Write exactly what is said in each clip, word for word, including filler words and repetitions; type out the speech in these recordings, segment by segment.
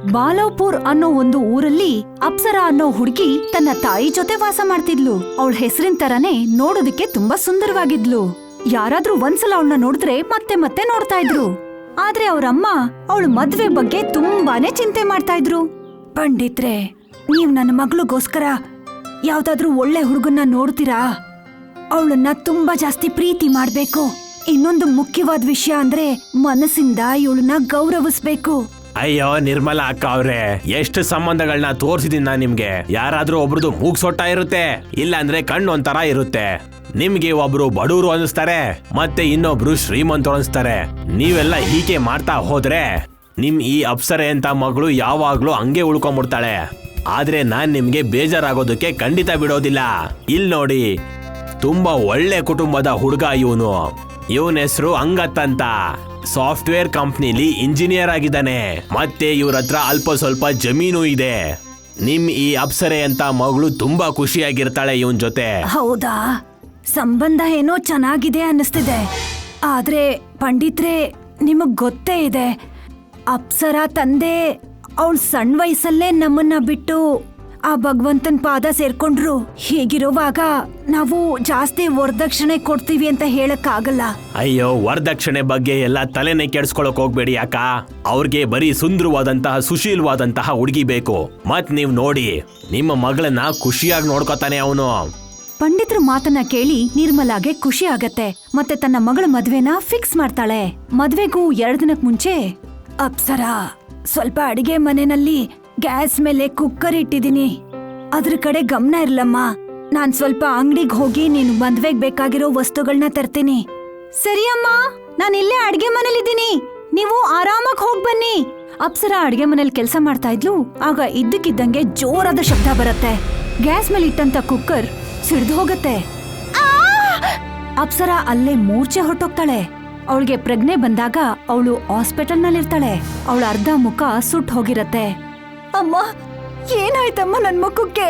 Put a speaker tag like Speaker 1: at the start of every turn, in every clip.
Speaker 1: ಬಾಲವ್ಪುರ್ ಅನ್ನೋ ಒಂದು ಊರಲ್ಲಿ ಅಪ್ಸರಾ ಅನ್ನೋ ಹುಡುಗಿ ತನ್ನ ತಾಯಿ ಜೊತೆ ವಾಸ ಮಾಡ್ತಿದ್ಲು. ಅವಳ ಹೆಸರಿನ ತರಾನೇ ನೋಡೋದಕ್ಕೆ ತುಂಬಾ ಸುಂದರವಾಗಿದ್ಲು. ಯಾರಾದ್ರೂ ಒಂದ್ಸಲ ಅವಳನ್ನ ನೋಡಿದ್ರೆ ಮತ್ತೆ ಮತ್ತೆ ನೋಡ್ತಾ ಇದ್ರು. ಆದ್ರೆ ಅವ್ರಮ್ಮ ಅವಳ ಮದ್ವೆ ಬಗ್ಗೆ ತುಂಬಾನೇ ಚಿಂತೆ ಮಾಡ್ತಾ ಇದ್ರು. ಪಂಡಿತ್ರೆ, ನೀವ್ ನನ್ನ ಮಗಳಿಗೋಸ್ಕರ ಯಾವ್ದಾದ್ರೂ ಒಳ್ಳೆ ಹುಡುಗನ್ನ ನೋಡ್ತೀರಾ? ಅವಳನ್ನ ತುಂಬಾ ಜಾಸ್ತಿ ಪ್ರೀತಿ ಮಾಡ್ಬೇಕು. ಇನ್ನೊಂದು ಮುಖ್ಯವಾದ ವಿಷಯ ಅಂದ್ರೆ ಮನಸ್ಸಿಂದ ಇವಳನ್ನ ಗೌರವಿಸ್ಬೇಕು.
Speaker 2: ಅಯ್ಯೋ ನಿರ್ಮಲಾ ಅಕ್ಕ ಅವ್ರೆ, ಎಷ್ಟು ಸಂಬಂಧಗಳನ್ನ ತೋರ್ಸಿದೀನಿ ನಾನ್ ನಿಮ್ಗೆ. ಯಾರಾದ್ರೂ ಒಬ್ರದು ಮೂಗ್ ಸೊಟ್ಟ ಇರುತ್ತೆ, ಇಲ್ಲ ಅಂದ್ರೆ ಕಣ್ಣು ಒಂಥರ ಇರುತ್ತೆ. ನಿಮ್ಗೆ ಒಬ್ರು ಬಡವರು ಅನಿಸ್ತಾರೆ, ಮತ್ತೆ ಇನ್ನೊಬ್ರು ಶ್ರೀಮಂತರು ಅನಿಸ್ತಾರೆ. ನೀವೆಲ್ಲ ಹೀಗೆ ಮಾಡ್ತಾ ಹೋದ್ರೆ ನಿಮ್ ಈ ಅಪ್ಸರೆ ಅಂತ ಮಗಳು ಯಾವಾಗ್ಲೂ ಹಂಗೆ ಉಳ್ಕೊಂಡ್ಬಿಡ್ತಾಳೆ. ಆದ್ರೆ ನಾನ್ ನಿಮ್ಗೆ ಬೇಜಾರಾಗೋದಕ್ಕೆ ಖಂಡಿತ ಬಿಡೋದಿಲ್ಲ. ಇಲ್ ನೋಡಿ, ತುಂಬಾ ಒಳ್ಳೆ ಕುಟುಂಬದ ಹುಡುಗ ಇವನು. ಇವನ ಹೆಸರು ಅಂಗತ್ ಅಂತ. ಸಾಫ್ಟ್ವೇರ್ ಕಂಪ್ನಿಲಿ ಇಂಜಿನಿಯರ್ ಆಗಿದ್ದಾನೆ. ಮತ್ತೆ ಇವ್ರ ಹತ್ರ ಅಲ್ಪ ಸ್ವಲ್ಪ ಜಮೀನು ಇದೆ. ನಿಮ್ ಈ ಅಪ್ಸರೆ ಅಂತ ಮಗಳು ತುಂಬಾ ಖುಷಿಯಾಗಿರ್ತಾಳೆ ಇವನ್ ಜೊತೆ.
Speaker 1: ಹೌದಾ? ಸಂಬಂಧ ಏನೋ ಚೆನ್ನಾಗಿದೆ ಅನ್ನಿಸ್ತಿದೆ. ಆದ್ರೆ ಪಂಡಿತ್ರೆ, ನಿಮಗ್ ಗೊತ್ತೇ ಇದೆ, ಅಪ್ಸರಾ ತಂದೆ ಅವಳ ಸಣ್ಣ ವಯಸ್ಸಲ್ಲೇ ನಮ್ಮನ್ನ ಬಿಟ್ಟು ಆ ಭಗವಂತನ್ ಪಾದ ಸೇರ್ಕೊಂಡ್ರು. ಹೀಗಿರುವಾಗ ನಾವು ಜಾಸ್ತಿ ವರದಕ್ಷಿಣೆ ಕೊಡ್ತೀವಿ ಅಂತ ಹೇಳಕ್ ಆಗಲ್ಲ.
Speaker 2: ಅಯ್ಯೋ, ವರದಕ್ಷಿಣೆ ಬಗ್ಗೆ ಎಲ್ಲ ತಲೆನೇ ಕೆಡ್ಸ್ಕೊಳಕ್ ಹೋಗ್ಬೇಡಿ ಅಕ್ಕ. ಅವ್ರಿಗೆ ಬರೀ ಸುಂದರವಾದಂತಹ ಸುಶೀಲವಾದಂತಹ ಹುಡುಗಿ ಬೇಕು. ಮತ್ ನೀವ್ ನೋಡಿ, ನಿಮ್ಮ ಮಗಳನ್ನ ಖುಷಿಯಾಗಿ ನೋಡ್ಕೊತಾನೆ ಅವನು.
Speaker 1: ಪಂಡಿತ್ರ ಮಾತನ್ನ ಕೇಳಿ ನಿರ್ಮಲಾಗೆ ಖುಷಿ ಆಗತ್ತೆ. ಮತ್ತೆ ತನ್ನ ಮಗಳ ಮದ್ವೆನ ಫಿಕ್ಸ್ ಮಾಡ್ತಾಳೆ. ಮದ್ವೆಗೂ ಎರಡ್ ದಿನಕ್ ಮುಂಚೆ, ಅಪ್ಸರಾ, ಸ್ವಲ್ಪ ಅಡಿಗೆ ಮನೆಯಲ್ಲಿ ಗ್ಯಾಸ್ ಮೇಲೆ ಕುಕ್ಕರ್ ಇಟ್ಟಿದೀನಿ, ಅದ್ರ ಕಡೆ ಗಮನ ಇರ್ಲಮ್ಮ. ನಾನ್ ಸ್ವಲ್ಪ ಅಂಗಡಿಗೆ ಹೋಗಿ ನೀನು ಮದ್ವೆಗ್ ಬೇಕಾಗಿರೋ ವಸ್ತುಗಳನ್ನ ತರ್ತೀನಿ. ಸರಿ ಅಮ್ಮ, ನಾನ್ ಇಲ್ಲೇ ಅಡ್ಗೆ ಮನೇಲಿದ್ದೀನಿ, ನೀವು ಆರಾಮಾಗಿ ಹೋಗ್ ಬನ್ನಿ. ಅಪ್ಸರಾ ಅಡ್ಗೆ ಮನೇಲಿ ಕೆಲಸ ಮಾಡ್ತಾ ಇದ್ಲು. ಆಗ ಇದ್ದಕ್ಕಿದ್ದಂಗೆ ಜೋರಾದ ಶಬ್ದ ಬರುತ್ತೆ. ಗ್ಯಾಸ್ ಮೇಲೆ ಇಟ್ಟಂತ ಕುಕ್ಕರ್ ಸಿಡ್ದು ಹೋಗತ್ತೆ. ಅಪ್ಸರಾ ಅಲ್ಲೇ ಮೂರ್ಛೆ ಹೊಟ್ಟೋಗ್ತಾಳೆ. ಅವಳಿಗೆ ಪ್ರಜ್ಞೆ ಬಂದಾಗ ಅವಳು ಹಾಸ್ಪಿಟಲ್ ನಲ್ಲಿರ್ತಾಳೆ. ಅವಳ ಅರ್ಧ ಮುಖ ಸುಟ್ಟು ಹೋಗಿರತ್ತೆ. ಅಮ್ಮ, ಏನಾಯ್ತಮ್ಮ ನನ್ ಮುಖಕ್ಕೆ?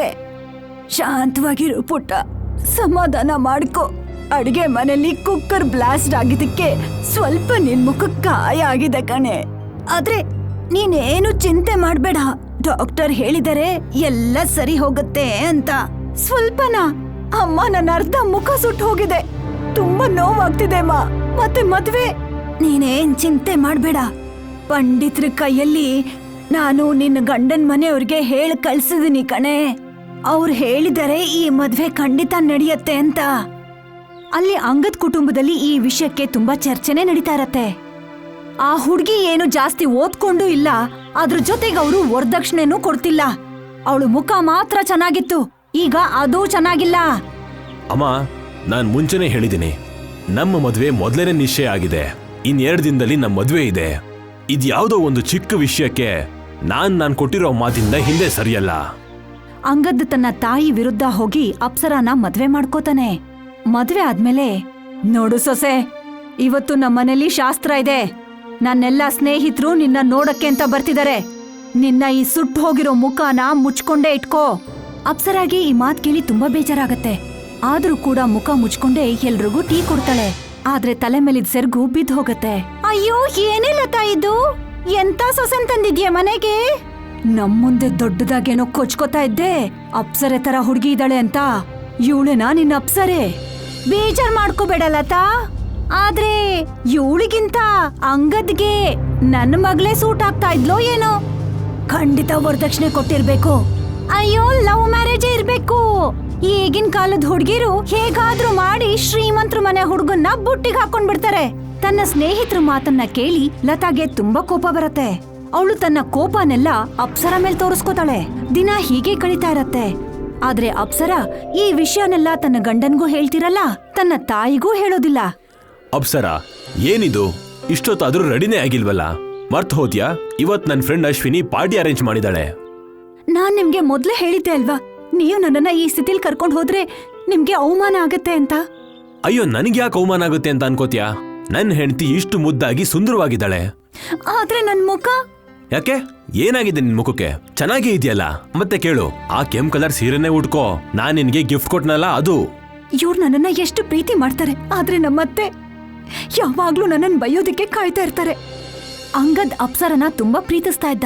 Speaker 1: ಶಾಂತವಾಗಿರು ಪುಟ್ಟ, ಸಮಾಧಾನ ಮಾಡ್ಕೊ. ಅಡಿಗೆ ಮನೆಯಲ್ಲಿ ಕುಕ್ಕರ್ ಬ್ಲಾಸ್ಟ್ ಆಗಿದ್ದಕ್ಕೆ ಸ್ವಲ್ಪ ನಿನ್ ಮುಖಕ್ಕೆ ಗಾಯ ಆಗಿದೆ ಕಣೆ. ಆದ್ರೆ ನೀನೇನು ಚಿಂತೆ ಮಾಡ್ಬೇಡ, ಡಾಕ್ಟರ್ ಹೇಳಿದರೆ ಎಲ್ಲ ಸರಿ ಹೋಗುತ್ತೆ ಅಂತ. ಸ್ವಲ್ಪನಾ? ಅಮ್ಮ, ನನ್ನ ಅರ್ಧ ಮುಖ ಸುಟ್ಟು ಹೋಗಿದೆ, ತುಂಬಾ ನೋವಾಗ್ತಿದೆ ಅಮ್ಮ. ಮತ್ತೆ ಮದ್ವೆ? ನೀನೇನ್ ಚಿಂತೆ ಮಾಡ್ಬೇಡ, ಪಂಡಿತ್ರ ಕೈಯಲ್ಲಿ ನಾನು ನಿನ್ನ ಗಂಡನ್ ಮನೆಯವ್ರಿಗೆ ಹೇಳಿ ಕಳ್ಸಿದೀನಿ ಕಣೆ. ಅವ್ರು ಹೇಳಿದರೆ ಈ ಮದ್ವೆ ಖಂಡಿತ ನಡೆಯತ್ತೆ ಅಂತ. ಅಲ್ಲಿ ಅಂಗದ್ ಕುಟುಂಬದಲ್ಲಿ ಈ ವಿಷಯಕ್ಕೆ ತುಂಬಾ ಚರ್ಚೆನೆ ನಡೀತಾ ಇರತ್ತೆ. ಆ ಹುಡ್ಗಿ ಏನು ಜಾಸ್ತಿ ಓದ್ಕೊಂಡು ಇಲ್ಲ, ಅದ್ರ ಜೊತೆಗೆ ಅವರು ವರದಕ್ಷಿಣೆನೂ ಕೊಡ್ತಿಲ್ಲ. ಅವಳು ಮುಖ ಮಾತ್ರ ಚೆನ್ನಾಗಿತ್ತು, ಈಗ ಅದೂ ಚೆನ್ನಾಗಿಲ್ಲ.
Speaker 2: ಅಮ್ಮ, ನಾನ್ ಮುಂಚೆನೆ ಹೇಳಿದ್ದೀನಿ, ನಮ್ಮ ಮದ್ವೆ ಮೊದಲನೇ ನಿಶ್ಚಯ ಆಗಿದೆ. ಇನ್ ಎರಡ್ ದಿನದಲ್ಲಿ ನಮ್ಮ ಮದ್ವೆ ಇದೆ. ಇದ್ಯಾವುದೋ ಒಂದು ಚಿಕ್ಕ ವಿಷಯಕ್ಕೆ ನಾನ್ ನಾನ್ ಕೊಟ್ಟಿರೋ ಮಾತಿಂದ ಹಿಂದೆ ಸರಿಯಲ್ಲ.
Speaker 1: ಅಂಗದ್ ತನ್ನ ತಾಯಿ ವಿರುದ್ಧ ಹೋಗಿ ಅಪ್ಸರಾನ ಮದ್ವೆ ಮಾಡ್ಕೋತಾನೆ. ಮದ್ವೆ ಆದ್ಮೇಲೆ, ನೋಡು ಸೊಸೆ, ಇವತ್ತು ನಮ್ಮನೇಲಿ ಶಾಸ್ತ್ರ ಇದೆ. ನನ್ನೆಲ್ಲಾ ಸ್ನೇಹಿತರು ನಿನ್ನ ನೋಡಕ್ಕೆ ಅಂತ ಬರ್ತಿದ್ದಾರೆ. ನಿನ್ನ ಈ ಸುಟ್ಟು ಹೋಗಿರೋ ಮುಖನ ಮುಚ್ಕೊಂಡೇ ಇಟ್ಕೋ. ಅಪ್ಸರಾಗೆ ಈ ಮಾತ್ ಕೇಳಿ ತುಂಬಾ ಬೇಜಾರಾಗತ್ತೆ. ಆದ್ರೂ ಕೂಡ ಮುಖ ಮುಚ್ಕೊಂಡೇ ಎಲ್ರಿಗೂ ಟೀ ಕೊಡ್ತಾಳೆ. ಆದ್ರೆ ತಲೆ ಮೇಲಿದ್ ಸೆರ್ಗು ಬಿದ್ದು ಹೋಗತ್ತೆ. ಅಯ್ಯೋ, ಏನೇ ಲತಾ ಇದು? ಎಂತ ಸೊಸೆನ್ ತಂದಿದ್ಯಾ ಮನೆಗೆ? ನಮ್ ಮುಂದೆ ದೊಡ್ಡದಾಗೇನೋ ಕೊಚ್ಕೋತಾ ಇದ್ದೆ, ಅಪ್ಸರೆ ತರ ಹುಡುಗಿ ಇದ್ದಾಳೆ ಅಂತ. ಇವಳೇನಾ ನಿನ್ನ ಅಪ್ಸರೆ? ಬೇಜಾರ್ ಮಾಡ್ಕೋಬೇಡ ಲತಾ. ಆದ್ರೆ ಇವಳಿಗಿಂತ ಅಂಗದ್ಗೆ ನನ್ನ ಮಗಳೇ ಸೂಟ್ ಆಗ್ತಾ ಇದ್ಲೋ ಏನೋ. ಖಂಡಿತ ವರದಕ್ಷಿಣೆ ಕೊಟ್ಟಿರ್ಬೇಕು. ಅಯ್ಯೋ, ಲವ್ ಮ್ಯಾರೇಜ್ ಇರ್ಬೇಕು. ಈಗಿನ ಕಾಲದ ಹುಡುಗಿರು ಹೇಗಾದ್ರೂ ಮಾಡಿ ಶ್ರೀಮಂತರ ಮನೆ ಹುಡುಗನ್ನ ಬುಟ್ಟಿಗೆ ಹಾಕೊಂಡ್ ಬಿಡ್ತಾರೆ. ತನ್ನ ಸ್ನೇಹಿತರ ಮಾತನ್ನ ಕೇಳಿ ಲತಾಗೆ ತುಂಬಾ ಕೋಪ ಬರತ್ತೆ. ಅವಳು ತನ್ನ ಕೋಪನೆಲ್ಲ ಅಪ್ಸರಾ ಮೇಲ್ ತೋರಿಸ್ಕೋತಾಳೆ. ದಿನ ಹೀಗೆ ಕಳೀತಾ ಇರತ್ತೆ. ಆದ್ರೆ ಅಪ್ಸರಾ ಈ ವಿಷಯನೆಲ್ಲ ತನ್ನ ಗಂಡನ್ಗೂ ಹೇಳ್ತಿರಲ್ಲ, ತನ್ನ ತಾಯಿಗೂ ಹೇಳೋದಿಲ್ಲ.
Speaker 2: ಅಪ್ಸರಾ, ಏನಿದು? ಇಷ್ಟೊತ್ತಾದ್ರೂ ರೆಡಿನೇ ಆಗಿಲ್ವಲ್ಲ? ಮರ್ತ್ ಹೋದ್ಯಾ? ಇವತ್ ನನ್ ಫ್ರೆಂಡ್ ಅಶ್ವಿನಿ ಪಾರ್ಟಿ ಅರೇಂಜ್ ಮಾಡಿದಾಳೆ.
Speaker 1: ನಾನ್ ನಿಮ್ಗೆ ಮೊದ್ಲೇ ಹೇಳಿದ್ದೆ ಅಲ್ವಾ, ನೀವು ನನ್ನನ್ನ ಈ ಸ್ಥಿತಿಲ್ ಕರ್ಕೊಂಡ್ ಹೋದ್ರೆ ನಿಮ್ಗೆ ಅವಮಾನ ಆಗತ್ತೆ ಅಂತ.
Speaker 2: ಅಯ್ಯೋ, ನನ್ಗೆ ಯಾಕೆ ಅವಮಾನ ಆಗುತ್ತೆ ಅಂತ ಅನ್ಕೋತ್ಯಾ? ನನ್ ಹೆಂಡತಿ ಇಷ್ಟು ಮುದ್ದಾಗಿ ಸುಂದರವಾಗಿದ್ದಾಳೆ.
Speaker 1: ಆದ್ರೆ ನನ್ ಮುಖ?
Speaker 2: ಯಾಕೆ, ಏನಾಗಿದೆ ನಿನ್ ಮುಖಕ್ಕೆ? ಚೆನ್ನಾಗೇ ಇದೆಯಲ್ಲ. ಮತ್ತೆ ಕೇಳು, ಆ ಕೆಂಪ್ ಕಲರ್ ಸೀರೆನೆ ಉಟ್ಕೋ. ನಾನ್ ನಿನ್ಗೆ ಗಿಫ್ಟ್ ಕೊಟ್ನಲ್ಲ ಅದು.
Speaker 1: ಇವ್ರು ನನ್ನನ್ನ ಎಷ್ಟು ಪ್ರೀತಿ ಮಾಡ್ತಾರೆ, ಆದ್ರೆ ನಮ್ಮತ್ತೆ ಯಾವಾಗ್ಲೂ ನನ್ನನ್ ಬೈಯೋದಿಕ್ಕೆ ಕಾಯ್ತಾ ಇರ್ತಾರೆ. ಅಂಗದ್ ಅಪ್ಸರನ ತುಂಬಾ ಪ್ರೀತಿಸ್ತಾ ಇದ್ದ.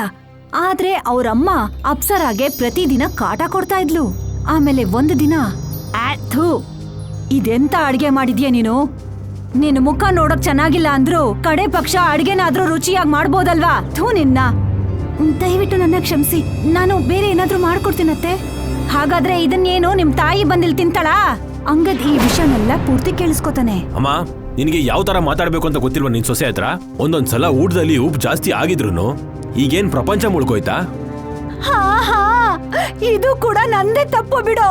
Speaker 1: ಆದ್ರೆ ಅವ್ರಮ್ಮ ಅಪ್ಸರಾಗೆ ಪ್ರತಿದಿನ ಕಾಟ ಕೊಡ್ತಾ ಇದ್ಲು. ಆಮೇಲೆ ಒಂದು ದಿನ, ಥೂ, ಇದೆಂತ ಅಡ್ಗೆ ಮಾಡಿದ್ಯಾ ನೀನು? ನಿನ್ ಮುಖ ನೋಡಕ್ ಚೆನ್ನಾಗಿಲ್ಲ ಅಂದ್ರು ಕಡೆ ಪಕ್ಷ ಅಡ್ಗೆನಾದ್ರೂ ರುಚಿಯಾಗಿ ಮಾಡ್ಬೋದಲ್ವಾ? ಥೂ ನಿನ್ನ. ದಯವಿಟ್ಟು ನನ್ನ ಕ್ಷಮಿಸಿ, ನಾನು ಬೇರೆ ಏನಾದ್ರೂ ಮಾಡ್ಕೊಡ್ತೀನತ್ತೆ. ಹಾಗಾದ್ರೆ ಇದನ್ನೇನು ನಿಮ್ ತಾಯಿ ಬಂದಿಲ್ ತಿಂತಾಳಾ? ಅಂಗದ್ ಈ ವಿಷಯನೆಲ್ಲ ಪೂರ್ತಿ ಕೇಳಿಸ್ಕೊತಾನೆ.
Speaker 2: ಅಮ್ಮ, ನಿನಗೆ ಯಾವ ತರ ಮಾತಾಡ್ಬೇಕು ಅಂತ ಗೊತ್ತಿಲ್ವಾ ನಿನ್ ಸೊಸೆ ಹತ್ರ? ಒಂದೊಂದ್ಸಲ ಊಟದಲ್ಲಿ ಉಪ್ಪು ಜಾಸ್ತಿ ಆಗಿದ್ರು ಈಗೇನ್ ಪ್ರಪಂಚ ಮುಳ್ಕೋಯ್ತಾ?
Speaker 1: ಹಾ ಹಾ, ಇದು ಕೂಡ ನಂದೇ ತಪ್ಪು ಬಿಡೋ.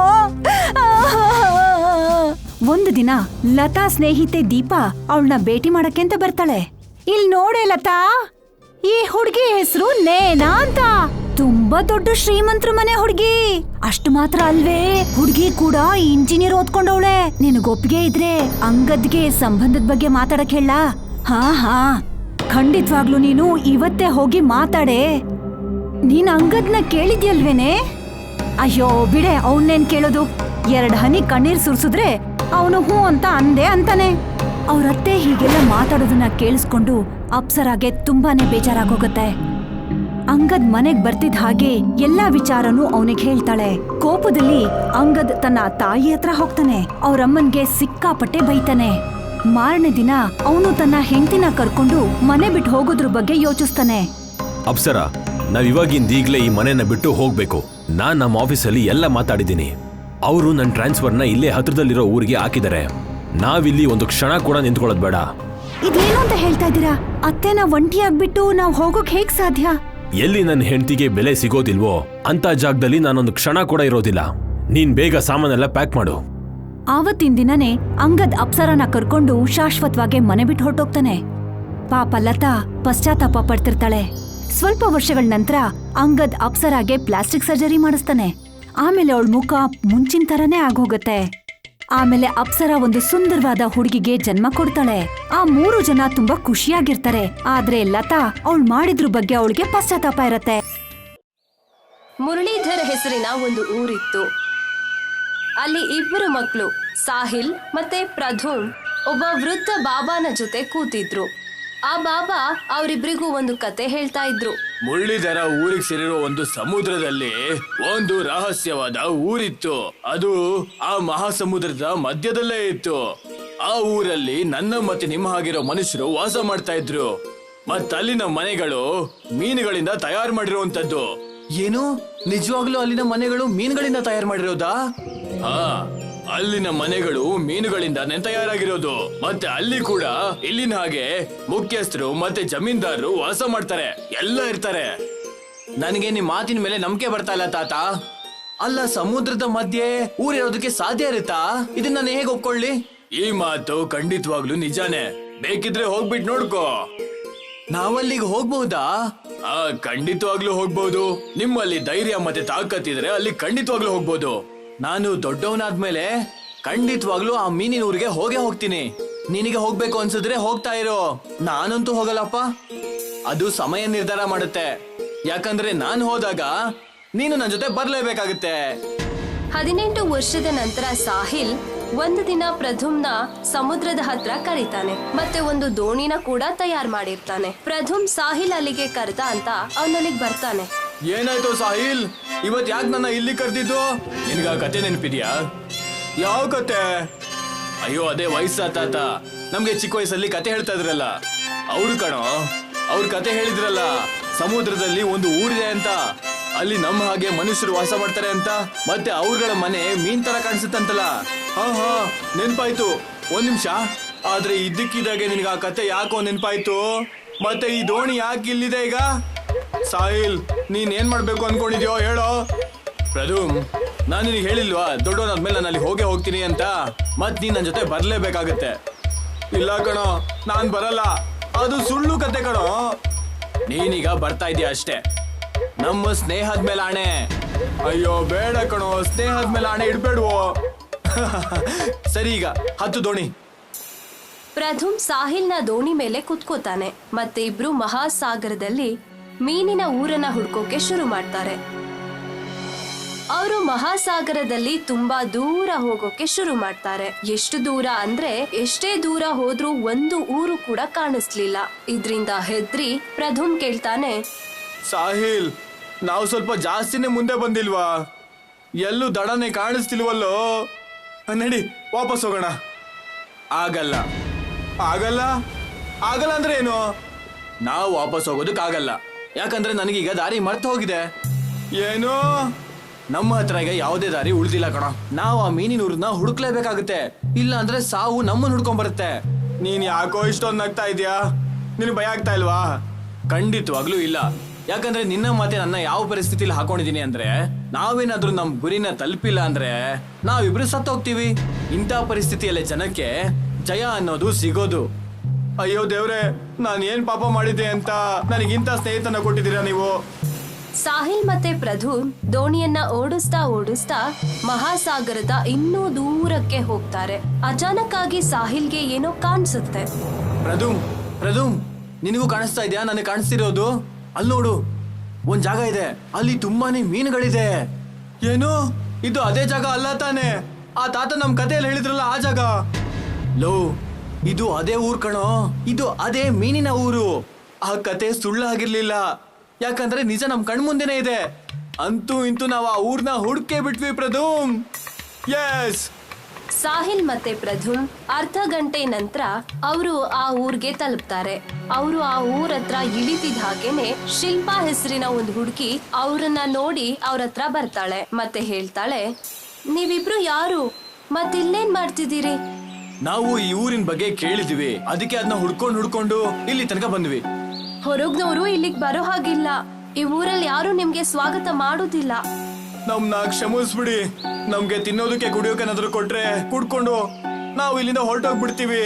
Speaker 1: ಒಂದು ದಿನ ಲತಾ ಸ್ನೇಹಿತೆ ದೀಪಾ ಅವಳನ್ನ ಭೇಟಿ ಮಾಡಕ್ಕೆ ಅಂತ ಬರ್ತಾಳೆ. ಇಲ್ ನೋಡೆ ಲತಾ, ಈ ಹುಡ್ಗಿ ಹೆಸರು ನೇನಾ ಅಂತ. ತುಂಬಾ ದೊಡ್ಡ ಶ್ರೀಮಂತರ ಮನೆ ಹುಡ್ಗಿ. ಅಷ್ಟು ಮಾತ್ರ ಅಲ್ವೇ, ಹುಡ್ಗಿ ಕೂಡ ಇಂಜಿನಿಯರ್ ಓದ್ಕೊಂಡವಳೆ. ನಿನಗೊಪ್ಪಿಗೆ ಇದ್ರೆ ಅಂಗದ್ಗೆ ಸಂಬಂಧದ ಬಗ್ಗೆ ಮಾತಾಡಕ್ ಹೇಳ? ಹಾ ಹಾ, ಖಂಡಿತವಾಗ್ಲು ನೀನು ಇವತ್ತೇ ಹೋಗಿ ಮಾತಾಡೆ. ನೀನ್ ಅಂಗದ್ನ ಕೇಳಿದ್ಯಲ್ವೇನೆ? ಅಯ್ಯೋ ಬಿಡೆ, ಅವನ್ನೇನ್ ಕೇಳೋದು. ಎರಡ್ ಹನಿ ಕಣ್ಣೀರ್ ಸುರ್ಸುದ್ರೆ ಅವನು ಹೂ ಅಂತ ಅಂದೆ ಅಂತಾನೆ. ಅವ್ರತ್ತೆ ಹೀಗೆಲ್ಲ ಮಾತಾಡೋದನ್ನ ಕೇಳಿಸ್ಕೊಂಡು ಅಪ್ಸರಾಗೆ ತುಂಬಾನೇ ಬೇಜಾರಾಗೋಗತ್ತೆ. ಅಂಗದ್ ಮನೆಗ್ ಬರ್ತಿದ್ ಹಾಗೆ ಎಲ್ಲಾ ವಿಚಾರನೂ ಅವನಿಗೆ ಹೇಳ್ತಾಳೆ. ಕೋಪದಲ್ಲಿ ಅಂಗದ್ ತನ್ನ ತಾಯಿ ಹತ್ರ ಹೋಗ್ತಾನೆ. ಅವ್ರಮ್ಮನ್ಗೆ ಸಿಕ್ಕಾಪಟ್ಟೆ ಬೈತಾನೆ. ಮಾರನೇ ದಿನ ಅವನು ತನ್ನ ಹೆಂಡತಿನ ಕರ್ಕೊಂಡು ಮನೆ ಬಿಟ್ಟು ಹೋಗೋದ್ರ ಬಗ್ಗೆ ಯೋಚಿಸ್ತಾನೆ.
Speaker 2: ಅಪ್ಸರ, ನಾವ್ ಇವಾಗಿಂದ ಈಗ್ಲೇ ಈ ಮನೆನ ಬಿಟ್ಟು ಹೋಗ್ಬೇಕು. ನಾನ್ ನಮ್ಮ ಆಫೀಸಲ್ಲಿ ಎಲ್ಲ ಮಾತಾಡಿದ್ದೀನಿ. ಅವರು ನನ್ನ ಟ್ರಾನ್ಸ್ಫರ್ನ ಇಲ್ಲೇ ಹತ್ರದಲ್ಲಿರೋ ಊರಿಗೆ ಹಾಕಿದ್ದಾರೆ. ನಾವಿಲ್ಲಿ ಒಂದು ಕ್ಷಣ ಕೂಡ ನಿಂತ್ಕೊಳ್ಳೋದ್ ಬೇಡ.
Speaker 1: ಇದೇನು ಅಂತ ಹೇಳ್ತಾ ಇದ್ದೀರಾ? ಅತ್ತೆನ ಒಂಟಿಯಾಗ್ಬಿಟ್ಟು ನಾವ್ ಹೋಗೋಕ್ ಹೇಗ್ ಸಾಧ್ಯ?
Speaker 2: ಎಲ್ಲಿ ನನ್ನ ಹೆಂಡತಿಗೆ ಬೆಲೆ ಸಿಗೋದಿಲ್ವೋ ಅಂತ ಜಾಗದಲ್ಲಿ ನಾನೊಂದು ಕ್ಷಣ ಕೂಡ ಇರೋದಿಲ್ಲ. ನೀನ್ ಬೇಗ ಸಾಮಾನೆಲ್ಲ ಪ್ಯಾಕ್ ಮಾಡು.
Speaker 1: ಆವತ್ತಿನ ದಿನನೇ ಅಂಗದ್ ಅಪ್ಸರನ ಕರ್ಕೊಂಡು ಶಾಶ್ವತವಾಗಿ ಮನೆ ಬಿಟ್ಟು ಹೊರಟೋಗ್ತಾನೆ. ಪಾಪ ಲತಾ ಪಶ್ಚಾತ್ತಾಪ ಪಡ್ತಿರ್ತಾಳೆ. ಸ್ವಲ್ಪ ವರ್ಷಗಳ ನಂತರ ಅಂಗದ್ ಅಪ್ಸರಾಗೆ ಪ್ಲಾಸ್ಟಿಕ್ ಸರ್ಜರಿ ಮಾಡಿಸ್ತಾನೆ. ಆಮೇಲೆ ಅವಳ ಮುಖ ಮುಂಚಿನ ತರನೇ ಆಗೋಗತ್ತೆ. ಆಮೇಲೆ ಅಪ್ಸರ ಒಂದು ಸುಂದರವಾದ ಹುಡುಗಿಗೆ ಜನ್ಮ ಕೊಡ್ತಾಳೆ. ಆ ಮೂರು ಜನ ತುಂಬಾ ಖುಷಿಯಾಗಿರ್ತಾರೆ. ಆದ್ರೆ ಲತಾ ಅವಳು ಮಾಡಿದ್ರ ಬಗ್ಗೆ ಅವಳಿಗೆ ಪಶ್ಚಾತ್ತಾಪ ಇರತ್ತೆ.
Speaker 3: ಮುರಳೀಧರ್ ಹೆಸರಿನ ಒಂದು ಊರಿತ್ತು. ಅಲ್ಲಿ ಇಬ್ಬರು ಮಕ್ಕಳು, ಸಾಹಿಲ್ ಮತ್ತೆ ಪ್ರಧುಮ್, ಒಬ್ಬ ವೃದ್ಧ ಬಾಬಾನ ಜೊತೆ ಕೂತಿದ್ರು. ಆ ಬಾಬಾ ಅವರಿಬ್ರಿಗೂ ಒಂದು ಕತೆ ಹೇಳ್ತಾ ಇದ್ರು.
Speaker 4: ಮುರಳೀಧರ ಊರಿಗೆ ಸೇರಿರೋ ಒಂದು ಸಮುದ್ರದಲ್ಲಿ ಒಂದು ರಹಸ್ಯವಾದ ಊರಿತ್ತು. ಅದು ಆ ಮಹಾಸಮುದ್ರದ ಮಧ್ಯದಲ್ಲೇ ಇತ್ತು. ಆ ಊರಲ್ಲಿ ನನ್ನ ಮತ್ತೆ ನಿಮ್ಮ ಹಾಗಿರೋ ಮನುಷ್ಯರು ವಾಸ ಮಾಡ್ತಾ ಇದ್ರು. ಮತ್ತಲ್ಲಿನ ಮನೆಗಳು ಮೀನುಗಳಿಂದ ತಯಾರು ಮಾಡಿರುವಂತದ್ದು. ಏನು, ನಿಜವಾಗ್ಲೂ ಅಲ್ಲಿನ ಮನೆಗಳು ಮೀನುಗಳಿಂದ ತಯಾರು ಮಾಡಿರೋದಾ? ಹಾ, ಅಲ್ಲಿನ ಮನೆಗಳು ಮೀನುಗಳಿಂದಾನೇ ತಯಾರಾಗಿರೋದು. ಮತ್ತೆ ಅಲ್ಲಿ ಕೂಡ ಇಲ್ಲಿನ ಹಾಗೆ ಮುಖ್ಯಸ್ಥರು ಮತ್ತೆ ಜಮೀನ್ದಾರರು ವಾಸ ಮಾಡ್ತಾರೆ, ಎಲ್ಲ ಇರ್ತಾರೆ. ನನಗೆ ನಿಮ್ ಮಾತಿನ ಮೇಲೆ ನಂಬಿಕೆ ಬರ್ತಾ ಇಲ್ಲ ತಾತ. ಅಲ್ಲ, ಸಮುದ್ರದ ಮಧ್ಯೆ ಊರಿರೋದಕ್ಕೆ ಸಾಧ್ಯ ಇರುತ್ತಾ? ಇದನ್ನ ನಾನು ಹೇಗೆ ಒಪ್ಕೊಳ್ಳಿ? ಈ ಮಾತು ಖಂಡಿತವಾಗ್ಲೂ ನಿಜಾನೇ. ಬೇಕಿದ್ರೆ ಹೋಗ್ಬಿಟ್ಟು ನೋಡ್ಕೋ. ನಾವಲ್ಲಿಗೆ ಹೋಗ್ಬಹುದಾ? ಆ ಖಂಡಿತವಾಗ್ಲೂ ಹೋಗ್ಬಹುದು. ನಿಮ್ಮಲ್ಲಿ ಧೈರ್ಯ ಮತ್ತೆ ತಾಕತ್ತಿದ್ರೆ ಅಲ್ಲಿ ಖಂಡಿತವಾಗ್ಲೂ ಹೋಗ್ಬಹುದು. ನಾನು ದೊಡ್ಡವನಾದ್ಮೇಲೆ ಖಂಡಿತವಾಗ್ಲೂ ಆ ಮೀನಿನ ಊರಿಗೆ ಹೋಗೇ ಹೋಗ್ತೀನಿ. ನಿನಗೆ ಹೋಗ್ಬೇಕು ಅನ್ಸಿದ್ರೆ ಹೋಗ್ತಾ ಇರೋ. ನಾನಂತೂ ಹೋಗಲ್ಲಪ್ಪ. ಅದು ಸಮಯ ನಿರ್ಧಾರ ಮಾಡುತ್ತೆ. ಯಾಕಂದ್ರೆ ನಾನು ಹೋದಾಗ ನೀನು ನನ್ನ ಜೊತೆ ಬರ್ಲೇಬೇಕಾಗುತ್ತೆ.
Speaker 3: ಹದಿನೆಂಟು ವರ್ಷದ ನಂತರ ಸಾಹಿಲ್ ಒಂದು ದಿನ ಪ್ರಧುಮ್ನ ಸಮುದ್ರದ ಹತ್ರ ಕರೀತಾನೆ. ಮತ್ತೆ ಒಂದು ದೋಣಿನ ಕೂಡ ತಯಾರು ಮಾಡಿರ್ತಾನೆ. ಪ್ರಧುಮ್ ಸಾಹಿಲ್ ಅಲ್ಲಿಗೆ ಕರೆದ ಅಂತ ಅವನಲ್ಲಿಗೆ ಬರ್ತಾನೆ.
Speaker 4: ಏನಾಯ್ತು ಸಾಹಿಲ್, ಇವತ್ ಯಾಕೆ ನನ್ನ ಇಲ್ಲಿ ಕರೆದಿದ್ದು? ನಿನ್ಗ ಕತೆ ನೆನಪಿದ್ಯಾ? ಯಾವ ಕತೆ? ಅಯ್ಯೋ, ಅದೇ ವಯಸ್ಸ ತಾತ ನಮ್ಗೆ ಚಿಕ್ಕ ವಯಸ್ಸಲ್ಲಿ ಕತೆ ಹೇಳ್ತಾ ಇದ್ರಲ್ಲ ಅವ್ರು ಕಣೋ. ಅವ್ರ ಕತೆ ಹೇಳಿದ್ರಲ್ಲ, ಸಮುದ್ರದಲ್ಲಿ ಒಂದು ಊರಿದೆ ಅಂತ, ಅಲ್ಲಿ ನಮ್ಮ ಹಾಗೆ ಮನುಷ್ಯರು ವಾಸ ಮಾಡ್ತಾರೆ ಅಂತ, ಮತ್ತೆ ಅವ್ರಗಳ ಮನೆ ಮೀನ್ ತರ ಕಾಣಿಸುತ್ತಂತಲ್ಲ. ಹಾ ಹಾ ನೆನ್ಪಾಯ್ತು. ಒಂದ್ ನಿಮಿಷ. ಆದ್ರೆ ಇದ್ದಕ್ಕಿದ್ದಾಗೆ ನಿನ್ಗ ಆ ಕತೆ ಯಾಕೋ ನೆನ್ಪಾಯ್ತು. ಮತ್ತೆ ಈ ದೋಣಿ ಯಾಕೆ ಇಲ್ಲಿದೆ ಈಗ? ಸಾಹಿಲ್, ನೀನ್ ಏನ್ ಮಾಡ್ಬೇಕು ಅನ್ಕೊಂಡಿದ್ಯೋ ಹೇಳೋ. ಪ್ರಧುಮ್, ನಾನು ನಿನಗೆ ಹೇಳಿಲ್ವಾ ದೊಡ್ಡವನಾದ್ಮೇಲೆ ನಾನು ಅಲ್ಲಿ ಹೋಗೇ ಹೋಗ್ತೀನಿ ಅಂತ? ಮತ್ ನೀನ್ ನನ್ನ ಜೊತೆ ಬರ್ಲೇಬೇಕಾಗತ್ತೆ. ಇಲ್ಲ ಕಣೋ, ನಾನ್ ಬರಲ್ಲ. ಅದು ಸುಳ್ಳು ಕತೆ ಕಣೋ. ನೀನೀಗ ಬರ್ತಾ ಇದೀಯ ಅಷ್ಟೇ. ನಮ್ಮ ಸ್ನೇಹದ ಮೇಲೆ ಆಣೆ. ಅಯ್ಯೋ ಬೇಡ ಕಣೋ, ಸ್ನೇಹದ ಮೇಲೆ ಆಣೆ ಇಡ್ಬೇಡ್ವೋ. ಸರಿ, ಈಗ ಹತ್ತು ದೋಣಿ.
Speaker 3: ಪ್ರಧುಮ್ ಸಾಹಿಲ್ನ ದೋಣಿ ಮೇಲೆ ಕುತ್ಕೋತಾನೆ. ಮತ್ತೆ ಇಬ್ರು ಮಹಾಸಾಗರದಲ್ಲಿ ಮೀನಿನ ಊರನ್ನ ಹುಡ್ಕೋಕೆ ಶುರು ಮಾಡ್ತಾರೆ. ಅವರು ಮಹಾಸಾಗರದಲ್ಲಿ ತುಂಬಾ ದೂರ ಹೋಗೋಕೆ ಶುರು ಮಾಡ್ತಾರೆ. ಎಷ್ಟು ದೂರ ಅಂದ್ರೆ ಎಷ್ಟೇ ದೂರ ಹೋದ್ರೂ ಒಂದು ಊರು ಕೂಡ ಕಾಣಿಸ್ಲಿಲ್ಲ. ಇದ್ರಿಂದ ಹೆದ್ರಿ ಪ್ರಧುಮ್ ಕೇಳ್ತಾನೆ,
Speaker 4: ಸಾಹಿಲ್, ನಾವು ಸ್ವಲ್ಪ ಜಾಸ್ತಿನೇ ಮುಂದೆ ಬಂದಿಲ್ವಾ? ಎಲ್ಲೂ ದಡನೆ ಕಾಣಿಸ್ತಿಲ್ವಲ್ಲೋ? ನಡಿ ವಾಪಸ್ ಹೋಗೋಣ. ಆಗಲ್ಲ ಆಗಲ್ಲ ಆಗಲ್ಲ ಅಂದ್ರೆ ಏನು? ನಾವು ವಾಪಸ್ ಹೋಗೋದಕ್ಕಾಗಲ್ಲ, ಯಾಕಂದ್ರೆ ನನಗೀಗ ದಾರಿ ಮರ್ತು ಹೋಗಿದೆ. ಏನು? ನಮ್ಮ ಹತ್ರ ಈಗ ಯಾವುದೇ ದಾರಿ ಉಳಿದಿಲ್ಲ ಕಣ. ನಾವು ಆ ಮೀನಿನೂರನ್ನ ಹುಡುಕ್ಲೇಬೇಕಾಗುತ್ತೆ, ಇಲ್ಲ ಅಂದ್ರೆ ಸಾವು ನಮ್ಮನ್ನ ಹುಡ್ಕೊಂಡ್ ಬರುತ್ತೆ. ನೀನ್ ಯಾಕೋ ಇಷ್ಟೊಂದು ನಗ್ತಾ ಇದೀಯಾ? ನಿನ್ ಭಯ ಆಗ್ತಾ ಇಲ್ವಾ? ಖಂಡಿತವಾಗ್ಲೂ ಇಲ್ಲ, ಯಾಕಂದ್ರೆ ನಿನ್ನ ಮಾತೆ ನನ್ನ ಯಾವ ಪರಿಸ್ಥಿತಿಲಿ ಹಾಕೊಂಡಿದೀನಿ ಅಂದ್ರೆ, ನಾವೇನಾದ್ರೂ ನಮ್ ಗುರಿನ ತಲುಪಿಲ್ಲ ಅಂದ್ರೆ ನಾವಿಬ್ರು ಸತ್ತೋಗ್ತೀವಿ. ಇಂಥ ಪರಿಸ್ಥಿತಿಯಲ್ಲೇ ಜನಕ್ಕೆ ಜಯ ಅನ್ನೋದು ಸಿಗೋದು. ಅಯ್ಯೋ ದೇವ್ರೆ, ನಾನು ಏನ್ ಪಾಪ ಮಾಡಿದ್ದೆ ಅಂತ ನನಗಿಂತ ಸ್ನೇಹಿತನ ಕೊಟ್ಟಿದ್ದೀರಾ ನೀವು?
Speaker 3: ಸಾಹಿಲ್ ಮತ್ತೆ ಪ್ರಧುಮ್ ದೋಣಿಯನ್ನ ಓಡಿಸ್ತಾ ಓಡಿಸ್ತಾ ಮಹಾಸಾಗರದ ಇನ್ನೂ ದೂರಕ್ಕೆ ಹೋಗ್ತಾರೆ. ಅಚಾನಕ್ ಆಗಿ ಸಾಹಿಲ್ಗೆ ಏನೋ ಕಾಣಿಸುತ್ತೆ.
Speaker 4: ಪ್ರಧುಮ್ ಪ್ರಧುಮ್ ನಿನಗೂ ಕಾಣಿಸ್ತಾ ಇದೆಯಾ? ನನಗೆ ಕಾಣಿಸ್ತಿರೋದು ಅಲ್ಲಿ ನೋಡು, ಒಂದ್ ಜಾಗ ಇದೆ, ಅಲ್ಲಿ ತುಂಬಾನೇ ಮೀನುಗಳಿದೆ. ಏನು ಇದು ಅದೇ ಜಾಗ ಅಲ್ಲ ತಾನೆ? ಆ ತಾತ ನಮ್ ಕಥೆಯಲ್ಲಿ ಹೇಳಿದ್ರಲ್ಲ ಆ ಜಾಗ. ಲೋ, ಇದು ಅದೇ ಊರ್ ಕಣೋ, ಇದು ಅದೇ ಮೀನಿನ ಊರು. ಆ ಕತೆ ಸುಳ್ಳಾಗಿರ್ಲಿಲ್ಲ, ಯಾಕಂದ್ರೆ ನಿಜ ನಮ್ ಕಣ್ಮುಂದೆನೇ ಇದೆ. ಅಂತೂ ಇಂತೂ ನಾವು ಆ ಊರ್ನ ಹುಡ್ಕೇ ಬಿಟ್ವಿ ಪ್ರಧುಮ್. ಎಸ್.
Speaker 3: ಸಾಹಿಲ್ ಮತ್ತೆ ಪ್ರಧುಮ್ ಅರ್ಧ ಗಂಟೆ ನಂತರ ಅವರು ಆ ಊರ್ಗೆ ತಲುಪ್ತಾರೆ. ಅವರು ಆ ಊರ ಹತ್ರ ಇಳಿತಿದ ಹಾಗೇನೆ ಶಿಲ್ಪಾ ಹೆಸರಿನ ಒಂದು ಹುಡುಗಿ ಅವ್ರನ್ನ ನೋಡಿ ಅವ್ರ ಹತ್ರ ಬರ್ತಾಳೆ ಮತ್ತೆ ಹೇಳ್ತಾಳೆ, ನೀವಿಬ್ರು ಯಾರು? ಮತ್ತಿಲ್ಲೇನ್ ಮಾಡ್ತಿದ್ದೀರಿ?
Speaker 4: ನಾವು ಈ ಊರಿನ ಬಗ್ಗೆ ಕೇಳಿದ್ವಿ, ಅದಕ್ಕೆ ಅದನ್ನ ಹುಡ್ಕೊಂಡು ಹುಡ್ಕೊಂಡು ಇಲ್ಲಿ ತನಕ ಬಂದ್ವಿ.
Speaker 3: ಹೊರಗ್ನವರು ಇಲ್ಲಿಗ್ ಬರೋ ಹಾಗಿಲ್ಲ, ಈ ಊರಲ್ಲಿ ಯಾರು ನಿಮ್ಗೆ ಸ್ವಾಗತ ಮಾಡೋದಿಲ್ಲ.
Speaker 4: ನಮ್ನ ಕ್ಷಮಿಸ್ಬಿಡಿ, ನಮ್ಗೆ ತಿನ್ನೋದಕ್ಕೆ ಕುಡಿಯೋಕೆನಾದ್ರು ಕೊಟ್ರೆ ಕುಡ್ಕೊಂಡು ನಾವು ಇಲ್ಲಿಂದ ಹೊರಟೋಗ್ಬಿಡ್ತೀವಿ.